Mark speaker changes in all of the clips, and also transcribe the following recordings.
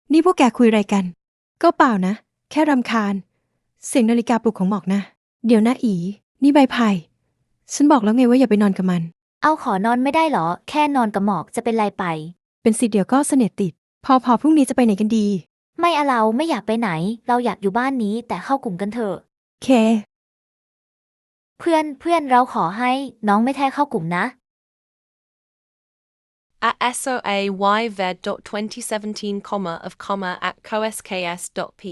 Speaker 1: นี่พวกแกคุยอะไรกันก็เปล่านะแค่รำคาญเสียงนาฬิกาปลุกของหมอกนะเดี๋ยวนะอีนี่ใบไผ่ฉันบอกแล้วไงว่าอย่าไปนอนกับมัน
Speaker 2: เอาขอนอนไม่ได้เหรอแค่นอนกับหมอกจะเป็นไรไป
Speaker 1: เป็นสิเดี๋ยวก็เสน่ห์ติดพอพรุ่งนี้จะไปไหนกันดี
Speaker 2: ไม่เอาเราไม่อยากไปไหนเราอยากอยู่บ้านนี้แต่เข้ากลุ่มกันเถอะ
Speaker 1: เค
Speaker 2: เพื่อนเราขอให้น้องไม่แท้เข้ากลุ่มนะ
Speaker 3: at soayved.2017, of at cosks.p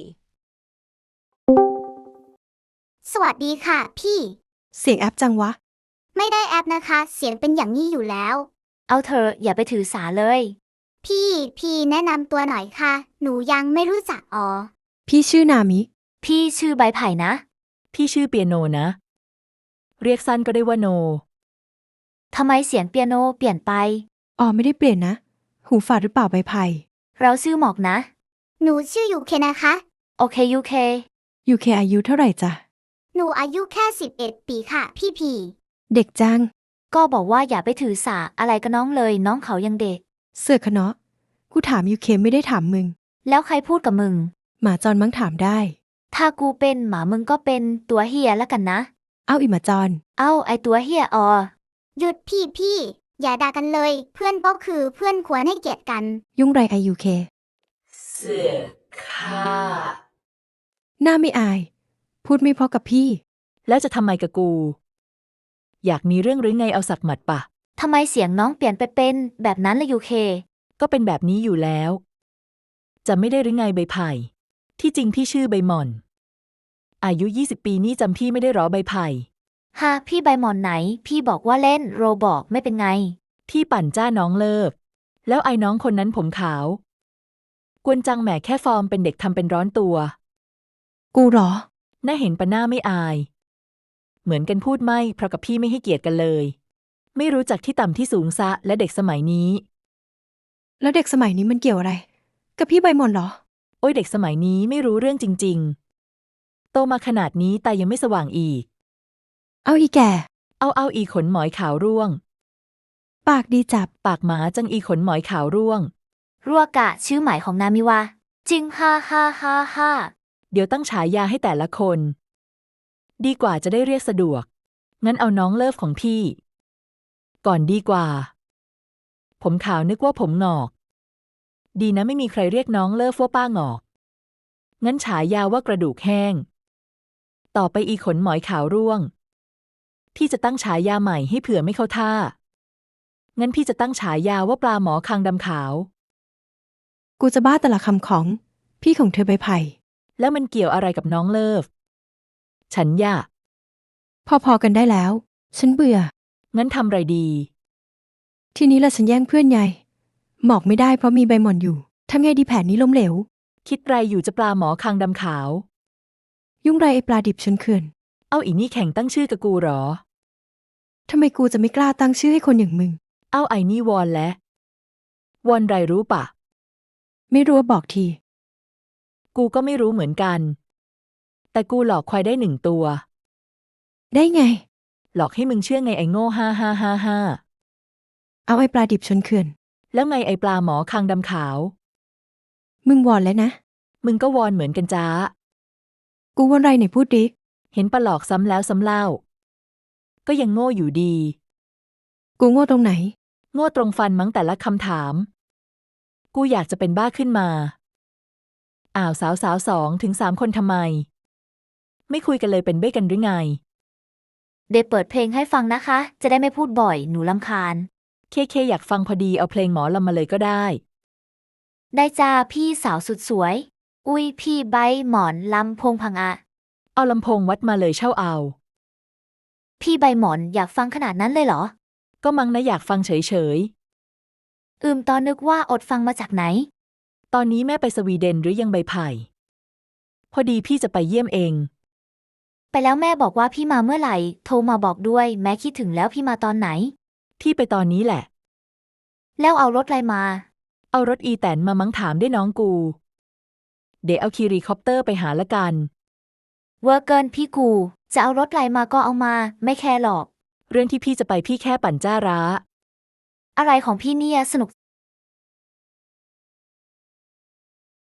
Speaker 4: สวัสดีค่ะพี่
Speaker 1: เสียงแอปจังวะ
Speaker 4: ไม่ได้แอปนะคะ เสียงเป็นอย่างนี้อยู่แล้ว
Speaker 2: เอาเธออย่าไปถือสาเลย
Speaker 4: พี่แนะนำตัวหน่อยค่ะ หนูยังไม่รู้จัก
Speaker 1: พี่ชื่อนามิ
Speaker 2: พี่ชื่อใบไผ่นะ
Speaker 5: พี่ชื่อเปียโนนะ เรียกสั้นก็ได้ว่าโน
Speaker 2: ทำไมเสียงเปียโนเปลี่ยนไป
Speaker 1: ไม่ได้เปลี่ยนนะหูฝาดหรือเปล่าใบไผ่
Speaker 2: เราชื่อหมอกนะ
Speaker 4: หนูชื่อยูเคนะคะ
Speaker 2: โอเคยูเค
Speaker 1: ยูเคอายุเท่าไหร่จ๊ะ
Speaker 4: หนูอายุแค่11 ปีค่ะพี่
Speaker 1: เด็กจัง
Speaker 2: ก็บอกว่าอย่าไปถือสาอะไรกับน้องเลยน้องเขายังเด็ก
Speaker 1: เสือกคะเนาะกูถามยูเคไม่ได้ถามมึง
Speaker 2: แล้วใครพูดกับมึง
Speaker 1: หมาจรมั้งถามได้
Speaker 2: ถ้ากูเป็นหมามึงก็เป็นตัวเฮียแล้วกันนะ
Speaker 1: เอาอีหมาจร
Speaker 2: เอ้าไอตัวเฮีย
Speaker 4: หยุดพี่อย่าด่ากันเลย เพื่อนก็คือเพื่อนควรให้เกียรติกัน
Speaker 1: ยุ่งไรไอยูเค
Speaker 5: เสือค่า
Speaker 1: หน้าไม่อายพูดไม่เพราะกับพี่
Speaker 5: แล้วจะทำไมกับกู อยากมีเรื่องหรือไงเอาสักหมัดปะ
Speaker 2: ทำไมเสียงน้องเปลี่ยนไปเป็นแบบนั้นล่ะยูเค
Speaker 5: ก็เป็นแบบนี้อยู่แล้ว จะไม่ได้หรือไงใบไผ่ที่จริงพี่ชื่อใบหม่อน อายุ20 ปีนี่จำพี่ไม่ได้หรอใบไผ่
Speaker 2: ฮะพี่ใบหมอนไหนพี่บอกว่าเล่นโรบอกไม่เป็นไง
Speaker 5: พี่ปั่นจ้าน้องเลิฟแล้วไอ้น้องคนนั้นผมขาวกวนจังแหมแค่ฟอร์มเป็นเด็กทำเป็นร้อนตัว
Speaker 1: กูหรอ
Speaker 5: น่าเห็นปะหน้าไม่อายเหมือนกันพูดไม่เพราะกับพี่ไม่ให้เกียรติกันเลยไม่รู้จักที่ต่ำที่สูงซะและเด็กสมัยนี้
Speaker 1: แล้วเด็กสมัยนี้มันเกี่ยวอะไรกับพี่ใบหม่อนเหรอ
Speaker 5: โอ้ยเด็กสมัยนี้ไม่รู้เรื่องจริงๆโตมาขนาดนี้แต่ยังไม่สว่างอีก
Speaker 1: เอาอีแก่
Speaker 5: เอาอีขนหมอยขาวร่วง
Speaker 1: ปากดีจับ
Speaker 5: ปากหมาจังอีขนหมอยขาวร่วง
Speaker 2: รัวกะชื่อหมายของนามิวะจริงฮ่าฮ่าฮ่าฮ่า
Speaker 5: เดี๋ยวตั้งฉายาให้แต่ละคนดีกว่าจะได้เรียกสะดวกงั้นเอาน้องเลิฟของพี่ก่อนดีกว่าผมขาวนึกว่าผมงอกดีนะไม่มีใครเรียกน้องเลิฟว่าป้างอกงั้นฉายาว่ากระดูกแห้งต่อไปอีขนหมอยขาวร่วงพี่จะตั้งฉายาใหม่ให้เผื่อไม่เข้าท่างั้นพี่จะตั้งฉายาว่าปลาหมอคางดำขาว
Speaker 1: กูจะบ้าแต่ละคำของพี่ของเธอใบไผ่
Speaker 5: แล้วมันเกี่ยวอะไรกับน้องเลิฟฉันอยาก
Speaker 1: พอกันได้แล้วฉันเบื่อ
Speaker 5: งั้นทำไรดี
Speaker 1: ทีนี้ละฉันแย่งเพื่อนใหญ่หมอกไม่ได้เพราะมีใบหม่อนอยู่ทำไงดีแผนนี้ล้มเหลว
Speaker 5: คิดไรอยู่จะปลาหมอคางดำขาว
Speaker 1: ยุ่งไรไอปลาดิบชนเขื่อน
Speaker 5: เอาอีนี่แข่งตั้งชื่อกับกูหรอ
Speaker 1: ทำไมกูจะไม่กล้าตั้งชื่อให้คนอย่างมึง
Speaker 5: เอาไอ้นี่วอนและวอนไรรู้ปะ
Speaker 1: ไม่รู้ว่าบอกที
Speaker 5: กูก็ไม่รู้เหมือนกันแต่กูหลอกควายได้1 ตัว
Speaker 1: ได้ไง
Speaker 5: หลอกให้มึงเชื่อไงไอ้โง่ฮ่า
Speaker 1: เอาไอปลาดิบชนเขื่อน
Speaker 5: แล้วไงไอ้ปลาหมอคางดำขาว
Speaker 1: มึงวอนแล้วนะ
Speaker 5: มึงก็วอนเหมือนกันจ้า
Speaker 1: กูวอนไรไหนพูดดิ
Speaker 5: เห็นปะหลอกซ้ำแล้วซ้ำเล่าก็ยังโง่อยู่ดี
Speaker 1: กูโง่ตรงไหน
Speaker 5: โง่ตรงฟันมั้งแต่ละคำถามกูอยากจะเป็นบ้าขึ้นมาสาว2 ถึง 3 คนทำไมไม่คุยกันเลยเป็นเบ้กันหรือไง
Speaker 2: เดยวเปิดเพลงให้ฟังนะคะจะได้ไม่พูดบ่อยหนูรำคาญ
Speaker 5: เคอยากฟังพอดีเอาเพลงหมอลำมาเลยก็ได้
Speaker 2: ได้จ้าพี่สาวสุดสวยอุ้ยพี่ใบหมอนลำโพงพังอะ
Speaker 5: เอาลำโพงวัดมาเลยเช่าเอา
Speaker 2: พี่ใบหมอนอยากฟังขนาดนั้นเลยเหรอ
Speaker 5: ก็มั้งนะอยากฟังเฉย
Speaker 2: ตอนนึกว่าอดฟังมาจากไหน
Speaker 5: ตอนนี้แม่ไปสวีเดนหรือยังใบไผ่พอดีพี่จะไปเยี่ยมเอง
Speaker 2: ไปแล้วแม่บอกว่าพี่มาเมื่อไหร่โทรมาบอกด้วยแม่คิดถึงแล้วพี่มาตอนไหน
Speaker 5: พี่ไปตอนนี้แหละ
Speaker 2: แล้วเอารถอะไรมา
Speaker 5: เอารถอีแตนมามั้งถามได้น้องกูเดี๋ยวเอาคีรีคอปเตอร์ไปหาละกัน
Speaker 2: เวอร์เกินพี่กูจะเอารถอะไรมาก็เอามาไม่แคร์หรอก
Speaker 5: เรื่องที่พี่จะไปพี่แค่ปั่นจ้าร้า
Speaker 2: อะไรของพี่เนี่ยสนุก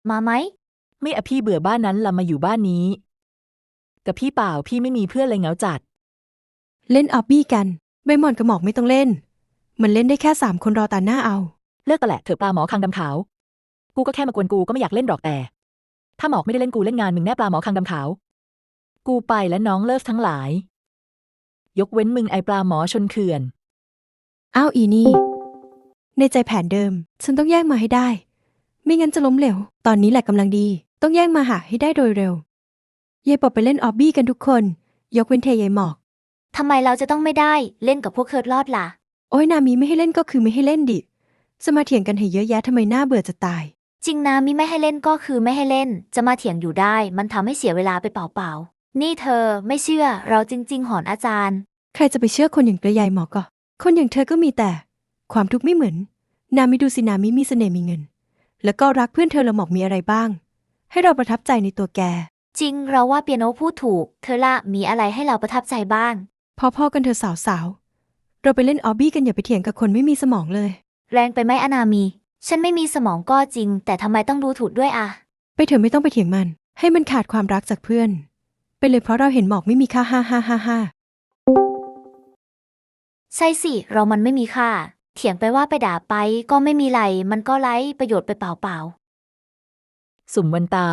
Speaker 2: มาไหม
Speaker 5: ไม่อะพี่เบื่อบ้านนั้นละมาอยู่บ้านนี้ กับพี่เปล่าพี่ไม่มีเพื่อนเลยเหงาจัด
Speaker 1: เล่นออบบี้กันใบหมอนกับหมอกไม่ต้องเล่น มันเล่นได้แค่3 คนรอตาหน้าเอา
Speaker 5: เลิกกันแหละเถอะปลาหมอคางดำขาว กูก็แค่มากวนกูก็ไม่อยากเล่นหรอกแต่ ถ้าหมอกไม่ได้เล่นกูเล่นงานมึงแน่ปลาหมอคางดำขาว กูไปและน้องเลิฟทั้งหลาย ยกเว้นมึงไอปลาหมอชนเขื่อน
Speaker 1: อ้าวอีนี่ ในใจแผนเดิม ฉันต้องแย่งมาให้ได้ ไม่งั้นจะล้มเหลว ตอนนี้แหละกำลังดี ต้องแย่งมาหาให้ได้โดยเร็วยายปอบไปเล่นออบบี้กันทุกคน ยกเว้นเทยายหมอก
Speaker 2: ทำไมเราจะต้องไม่ได้เล่นกับพวกเคิร์ดลอดล่ะ
Speaker 1: โอ้ยนามีไม่ให้เล่นก็คือไม่ให้เล่นดิจะมาเถียงกันให้เยอะแยะทำไมน่าเบื่อจะตาย
Speaker 2: จริงนะมิไม่ให้เล่นก็คือไม่ให้เล่น จะมาเถียงอยู่ได้ มันทำให้เสียเวลาไปเปล่าๆ นี่เธอไม่เชื่อเราจริงๆหอนอาจารย์
Speaker 1: ใครจะไปเชื่อคนอย่างกระยายหมอกก็ คนอย่างเธอก็มีแต่ ความทุกข์ไม่เหมือน นามิดูสินามิมีเสน่ห์มีเงิน แล้วก็รักเพื่อนเธอละหมอกมีอะไรบ้าง ให้เราประทับใจในตัวแก
Speaker 2: จริงเราว่าเปียโนพูดถูก เธอละมีอะไรให้เราประทับใจบ้าง
Speaker 1: พอๆกันเธอสาวๆ เราไปเล่นออบบี้กันอย่าไปเถียงกับคนไม่มีสมองเลย
Speaker 2: แรงไปไหมอนามี ฉันไม่มีสมองก็จริง แต่ทำไมต้องดูถูกด้วยอะ
Speaker 1: ไปเถอะไม่ต้องไปเถียงมัน ให้มันขาดความรักจากเพื่อน ไปเลยเพราะเราเห็นหมอกไม่มีค่าฮ่า
Speaker 2: ใช่สิเรามันไม่มีค่า เถียงไปว่าไปด่าไปก็ไม่มีไรมันก็ไร้ประโยชน์ไปเปล่า
Speaker 5: สุ่มวันตาย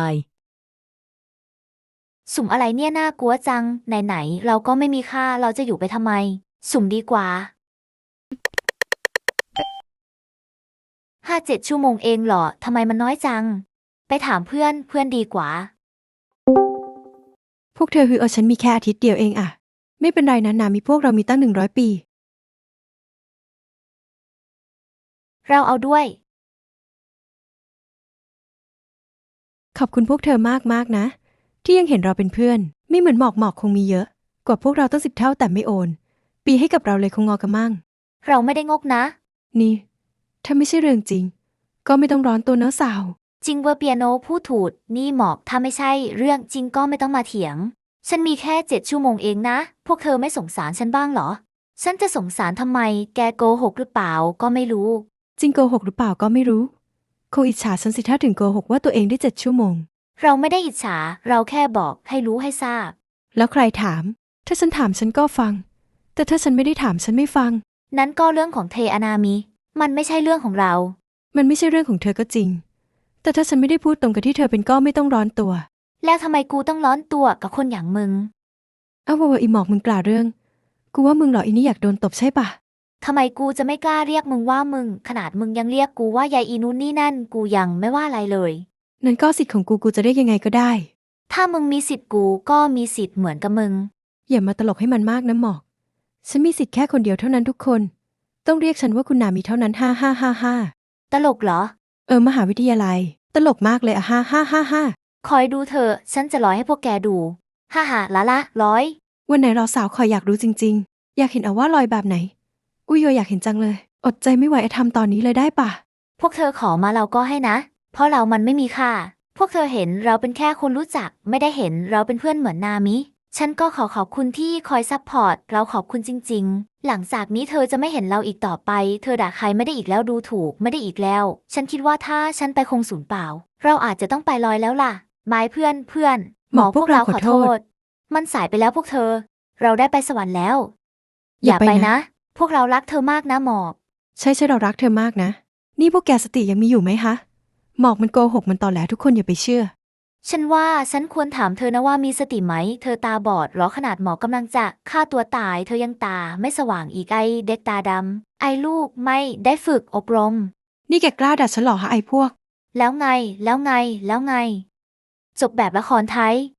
Speaker 2: ๆ สุ่มอะไรเนี่ยน่ากลัวจัง ไหนๆเราก็ไม่มีค่าเราจะอยู่ไปทำไม สุ่มดีกว่า 5-7 ชั่วโมงเองเหรอทำไมมันน้อยจัง ไปถามเพื่อนดีกว่า
Speaker 1: พวกเธอฉันมีแค่อาทิตย์เดียวเองอะไม่เป็นไรนะนามีพวกเรามีตั้ง100 ปี
Speaker 2: เราเอาด้วย
Speaker 1: ขอบคุณพวกเธอมากๆนะ ที่ยังเห็นเราเป็นเพื่อน ไม่เหมือนหมอกคงมีเยอะ กว่าพวกเราตั้ง10 เท่าแต่ไม่โอน ปีให้กับเราเลยคงงอกระมั่ง
Speaker 2: เราไม่ได้งกนะ
Speaker 1: นี่ถ้าไม่ใช่เรื่องจริง ก็ไม่ต้องร้อนตัวเนื้อะสาว
Speaker 2: จริงเวอร์เปียโนพูดถูกนี่หมอกถ้าไม่ใช่เรื่องจริงก็ไม่ต้องมาเถียง ฉันมีแค่7 ชั่วโมงเองนะ พวกเธอไม่สงสารฉันบ้างเหรอ ฉันจะสงสารทำไม แกโกหกหรือเปล่าก็ไม่รู้
Speaker 1: จริงโกหกหรือเปล่าก็ไม่รู้คงอิจฉาฉันสิถ้าถึงโกหกว่าตัวเองได้7 ชั่วโมง
Speaker 2: เราไม่ได้อิจฉา เราแค่บอกให้รู้ให้ทราบ
Speaker 1: แล้วใครถาม ถ้าฉันถามฉันก็ฟัง แต่ถ้าฉันไม่ได้ถามฉันไม่ฟัง
Speaker 2: นั้นก็เรื่องของเทอนามิ มันไม่ใช่เรื่องของเรา
Speaker 1: มันไม่ใช่เรื่องของเธอก็จริง แต่ถ้าฉันไม่ได้พูดตรงกับที่เธอเป็นก็ไม่ต้องร้อนตัว
Speaker 2: แล้วทำไมกูต้องร้อนตัวกับคนอย่างมึง
Speaker 1: เอาว่าอีหมอกมึงกล่าวเรื่อง กูว่ามึงเหรออีนี่อยากโดนตบใช่ปะ
Speaker 2: ทำไมกูจะไม่กล้าเรียกมึงว่ามึง ขนาดมึงยังเรียกกูว่ายายอีนู่นนี่นั่น กูยังไม่ว่าอะไรเลย
Speaker 1: นั่นก็สิทธิ์ของกูจะเรียกยังไงก็ได้
Speaker 2: ถ้ามึงมีสิทธิ์กูก็มีสิทธิ์เหมือนกับมึง
Speaker 1: อย่ามาตลกให้มันมากนะหมอก ฉันมีสิทธิ์แค่คนเดียวเท่านั้นทุกคน ต้องเรียกฉันว่าคุณนามีเท่านั้นฮ่า
Speaker 2: ตลกเหรอ
Speaker 1: มหาวิทยาลัย ตลกมากเลยอะฮ่า
Speaker 2: คอยดูเธอะฉันจะร้อยให้พวกแกดูฮ่าละร้อย
Speaker 1: วันไหนเราสาวคอยอยากรู้จริงๆ อยากเห็นเอาว่าลอยแบบไหน อุ้ยอยากเห็นจังเลย อดใจไม่ไหวทำตอนนี้เลยได้ปะ
Speaker 2: พวกเธอขอมาเราก็ให้นะ เพราะเรามันไม่มีค่า พวกเธอเห็นเราเป็นแค่คนรู้จัก ไม่ได้เห็นเราเป็นเพื่อนเหมือนนามิ ฉันก็ขอบคุณที่คอยซัพพอร์ต เราขอบคุณจริงๆ หลังจากนี้เธอจะไม่เห็นเราอีกต่อไป เธอด่าใครไม่ได้อีกแล้วดูถูกไม่ได้อีกแล้ว ฉันคิดว่าถ้าฉันไปคงสูญเปล่า เราอาจจะต้องไปลอยแล้วล่ะ ไม้เพื่อนหมอพวกเราขอโทษ มันสายไปแล้วพวกเธอ เราได้ไปสวรรค์แล้ว อย่าไปนะ พวกเรารักเธอมากนะหมอก
Speaker 1: ใช่เรารักเธอมากนะ นี่พวกแกสติยังมีอยู่ไหมฮะ หมอกมันโกหกมันตอแหลทุกคนอย่าไปเชื่อ
Speaker 2: ฉันว่าฉันควรถามเธอนะว่ามีสติไหม เธอตาบอดเหรอขนาดหมอกำลังจะฆ่าตัวตาย เธอยังตาไม่สว่างอีกไอเด็กตาดำไอลูกไม่ได้ฝึกอบรม
Speaker 1: นี่แกกล้าด่าฉันเหรอฮะไอ้พวก
Speaker 2: แล้วไง จบแบบละครไทย